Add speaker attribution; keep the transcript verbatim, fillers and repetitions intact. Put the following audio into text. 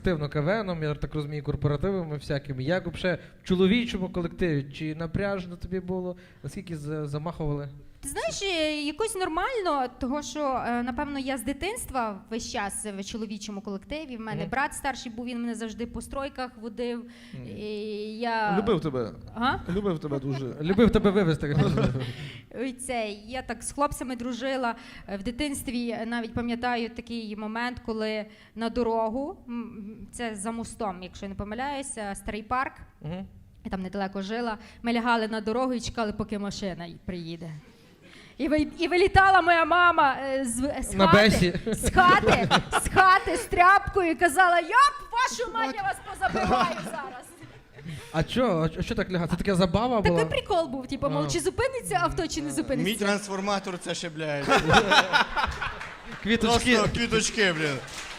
Speaker 1: Активно КВНом, я так розумію, корпоративами всякими. Як взагалі в чоловічому колективі? Чи напряжно тобі було? Наскільки замахували?
Speaker 2: Ти знаєш, якось нормально, того що, напевно, я з дитинства весь час в чоловічому колективі. В мене mm. брат старший був, він мене завжди по стройках водив. Mm. І я...
Speaker 3: Любив тебе.
Speaker 2: Ага?
Speaker 3: Любив тебе дуже.
Speaker 1: Любив тебе вивезти.
Speaker 2: Це, я так з хлопцями дружила. В дитинстві навіть пам'ятаю такий момент, коли на дорогу, це за мостом, якщо я не помиляюся, Старий парк, mm. я там недалеко жила, ми лягали на дорогу і чекали, поки машина приїде. І, ви, і вилітала моя мама з, з,
Speaker 1: на
Speaker 2: хати, з хати, з хати, з тряпкою і казала, йоп, вашу мать, я вас позабиваю зараз.
Speaker 1: А що, а що так лягати? Це така забава була?
Speaker 2: Такий прикол був, типу, мов, чи зупиниться авто, чи не зупиниться.
Speaker 4: Мій трансформатор це ще, блядь.
Speaker 1: Квіточки.
Speaker 4: Просто квіточки, блін.